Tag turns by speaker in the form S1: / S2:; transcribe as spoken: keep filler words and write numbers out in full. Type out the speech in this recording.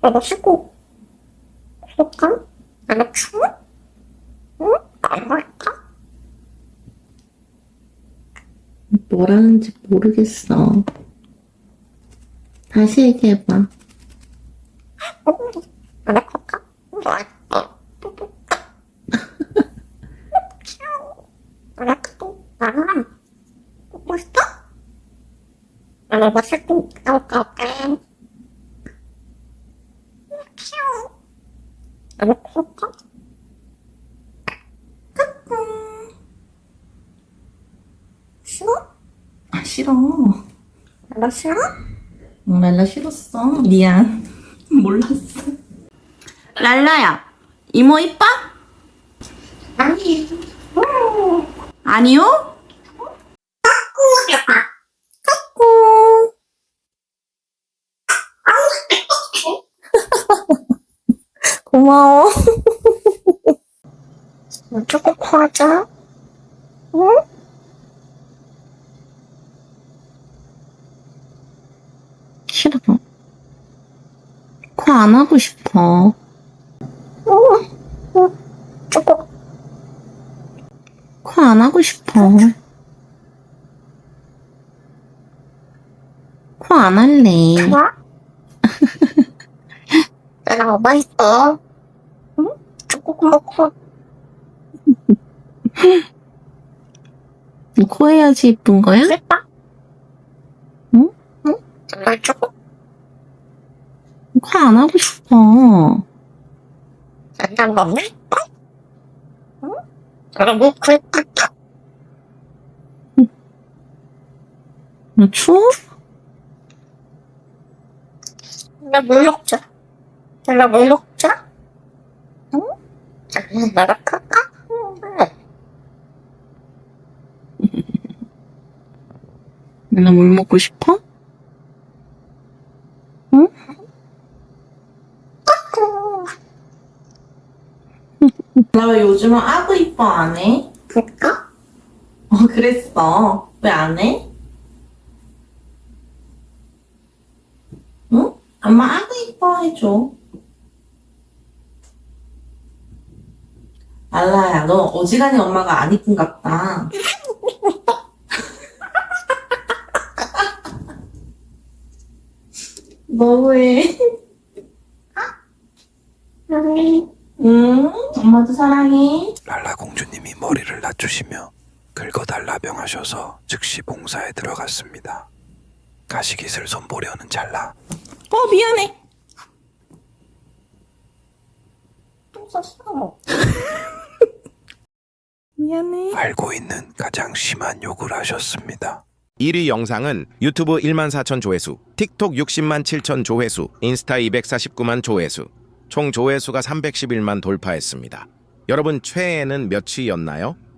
S1: 이거 쓰고 쓸까? 안 추워? 응? 안 할까?
S2: 뭐라는지 모르겠어. 다시 얘기해봐.
S1: 안 할까? 뭐 할까? 안 할까? 아, 먹고 싶어? 안 먹었을 때 나올까? 안 먹을까? 싫어?
S2: 아, 싫어.
S1: 안 싫어?
S2: 응, 랄라 싫었어. 미안. 몰랐어. 랄라야, 이모 이뻐?
S1: 아니,
S2: 아니요? 고마워.
S1: 어쩌고 과자? 응?
S2: 싫어. 코 안 하고 싶어.
S1: 응? 응? 저거
S2: 코 안 하고 싶어. 코 안 할래.
S1: 좋아? 나랑 엄마 있어. 응? 저거 먹고
S2: 코 해야지 이쁜 거야?
S1: 싶다.
S2: 응?
S1: 응? 정말 저거
S2: 코 안 하고 싶어.
S1: 난난 먹네? 응? 내가 뭐 그랬다.
S2: 너 추워?
S1: 나물 먹자. 내가 물 먹자. 응? 장난 나가 할까? 응.
S2: 나 물 먹고 싶어? 응? 나 왜 요즘은 아구 이뻐 안 해?
S1: 그럴까?
S2: 어, 그랬어. 왜 안 해? 응? 엄마 아구 이뻐 해줘. 알라야, 너 어지간히 엄마가 안 이쁜 같다. 너무해.
S1: 응.
S2: 응? 엄마도 사랑해.
S3: 랄라 공주님이 머리를 낮추시며 긁어달라 명하셔서 즉시 봉사에 들어갔습니다. 가시깃을 손보려는 찰나
S2: 어, 미안해.
S1: 또 썼어.
S2: 미안해.
S3: 알고 있는 가장 심한 욕을 하셨습니다.
S4: 일 위 영상은 유튜브 일만 사천 조회수, 틱톡 육십만 칠천 조회수, 인스타 이백사십구만 조회수, 총 조회수가 삼백십일만 돌파했습니다. 여러분 최애는 몇 위였나요?